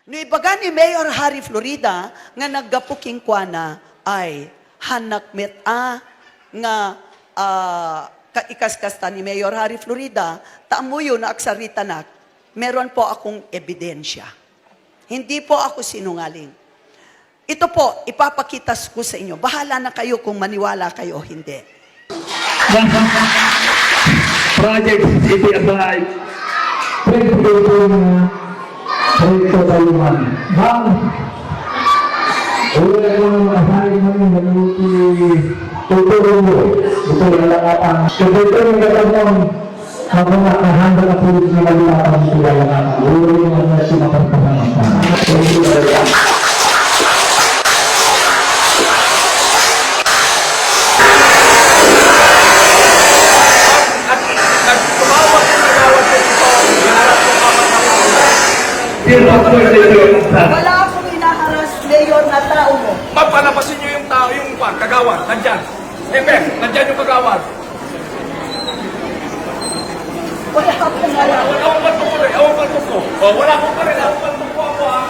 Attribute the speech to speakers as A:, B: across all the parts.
A: No ibaga ni Mayor Harry Florida nga naggapuking kuana ay hanak met nga kaikas-kasta ni Mayor Harry Florida, taamuyo na aksarita nak, meron po akong ebidensya. Hindi po ako sinungaling. Ito po, ipapakita ko sa inyo. Bahala na kayo kung maniwala kayo o hindi.
B: Project City Abay. Recto Taluman. Bang, uwi ko ng asali namin naluti tutulong mo. Ito yung lakatan. Kasi ito yung gagamon na mga kahanda na pulis na malilatan sila lakatan. Uwi ko ng sinapagpasangan. Thank you very much.
A: Wala akong hinaharas, Mayor, na tao mo.
C: Mapalapasin nyo yung tao, yung kagawad, nandyan. Nandyan yung kagawad.
A: Wala akong alam.
C: Awang paltok ko rin, awang paltok ko. Wala akong pa rin, awang paltok ko ako ha.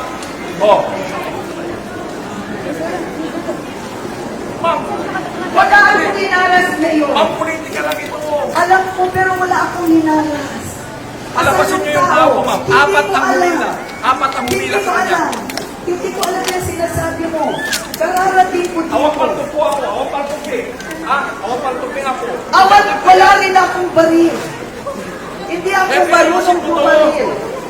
C: Ma'am,
A: Wala akong hinaharas, Mayor.
C: ma'am, politika lang ito.
A: Alam ko, pero wala akong hinaharas.
C: Palapasin nyo yung tao, ma'am. Apat ang humila. Apat ang humila
A: Hindi ko
C: sa kanya.
A: alam. Hindi ko alam yung sinasabi mo. Kararating ko dito.
C: Awang paltok ko ako, awang paltok eh. Awang paltok din ako.
A: Awan, wala rin akong baril. Hindi ako marunong bumaril.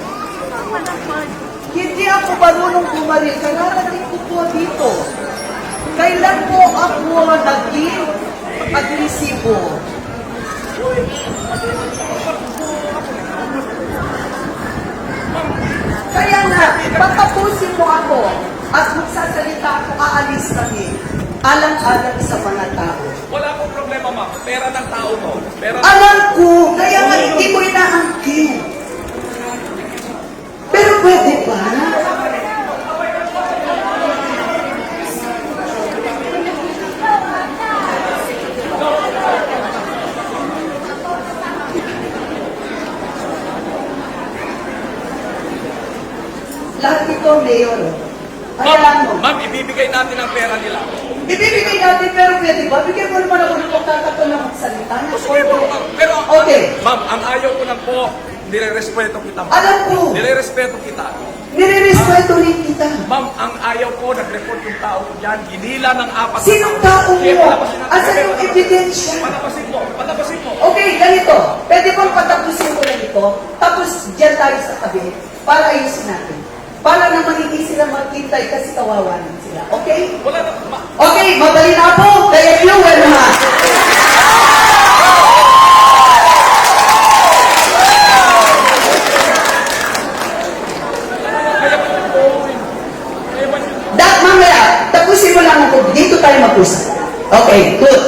A: Hindi ako marunong bumaril. Kararating ko po dito. Kailan po ako naging agresibo? Kaya nga, pagtapusin mo ako at magsasalita ako, aalis kami. Alang-alang sa mga tao.
C: Wala akong problema, ma'am. Pera ng tao to. Pera ng
A: Alam ko, kaya nga hindi ko inaangkin. Pero pwede ba? Lahat ito, Mayor. Ayan mo.
C: Ma'am, ibibigay natin ang pera nila.
A: Ibibigay natin, pero pwede ba? Bigyan mo naman ako ng pagkakataon na magsalita.
C: Sige po, ma'am. Pero,
A: Okay.
C: ma'am, ang ayaw ko lang po, nire-respeto kita, ma'am.
A: Alam ko.
C: Nire-respeto kita.
A: Nire-respeto rin kita.
C: Ma'am, ang ayaw ko, nag-report yung tao ko dyan, ginila ng apat na
A: Sinong tao
C: Sige,
A: mo?
C: palabasin natin.
A: Asan yung ebidensya?
C: Palabasin mo, palabasin mo.
A: Okay, ganito. Pwede bang patapusin ko lang ito? Tapos dyan tayo sa tabi para ayusin natin. Para naman hindi sila magkintay kasi kawawanan sila. Okay?
C: Wala na,
A: Okay, madali na po. Kaya fuel ha. Mamaya, tapusin mo lang ako. Dito tayo mag-usap. Okay, good.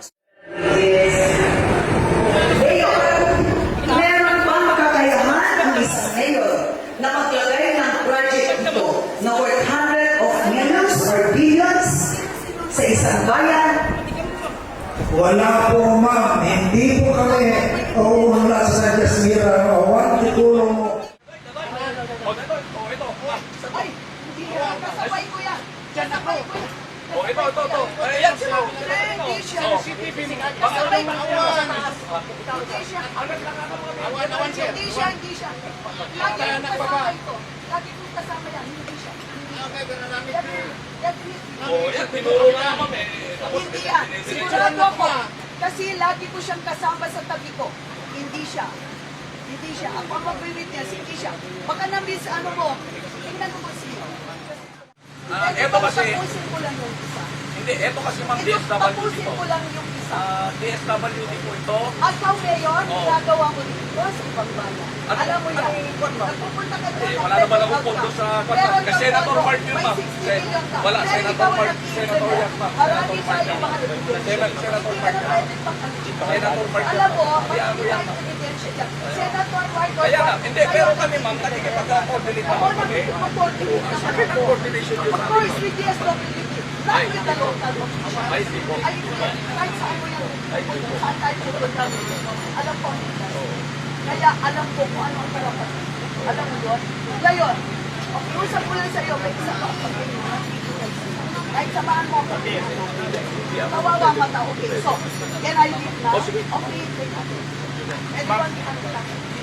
A: Meron ba makakayahan ang isang mayor na maglagay ng project ito na worth hundreds of millions or billions sa isang bayan?
D: Wala po, ma'am. Hindi po kami uuunla sa Jasmira. Huwag tutulong mo.
C: ito.
A: Ay, hindi ka. Kasabay ko yan. Diyan ako.
C: Ito. Ayan sila.
A: Hindi siya.
C: CCTV.
A: Kasabay ko yan. Hindi siya. Hindi siya. Hindi siya. Lagi kong kasama ito. Lagi kong kasama yan. Hindi siya.
C: Yan, tinuro na, ma'am eh.
A: Hindi yan. Sigurado ako. Kasi lagi ko siyang kasama sa tabi ko. Hindi siya. Hindi siya. Ako ang mag-witness. Hindi siya. Baka na-miss ano mo. Tingnan mo siya.
C: Ito kasi,
A: Tapusin ko lang yung isa.
C: hindi, ito kasi ma'am
A: Ito,
C: DSWD
A: tapusin
C: to.
A: ko lang yung isa.
C: DSWD po ito.
A: At ikaw, Mayor,
C: Oo.
A: ginagawa mo dito sa ibang bayan. Alam mo yan.
C: Anong kwan, ma'am?
A: Nagpupunta ka doon.
C: Wala naman akong pondo sa kwan, ma'am. Kasi Senator Mark yun, ma'am. Wala, Senator Mark yan, ma'am. Senator Mark yan. Senator Mark yan. Senator Mark yan.
A: Alam mo,
C: Hindi ako yan, ma'am.
A: ebidensya dyan. Senator Mark.
C: Kaya nga, hindi, pero kami ma'am, nakikipag-coordinate
A: Ako
C: naman kami.
A: nag-coordinate naman.
C: Coordination yun
A: Of
C: namin.
A: course, with DSWD. Not with the local officials.
C: Ay, hindi po.
A: Ay, kahit saan mo yan. Saan tayo pupunta. Alam ko, kaya alam ko kung ano ang karapat. Alam mo yun? Ngayon, Okay, usap ko lang sa'yo, may isa pa. Kahit samahan mo ako. Kawawa mata, okay. So, can I leave now? Okay, take it. Anyone can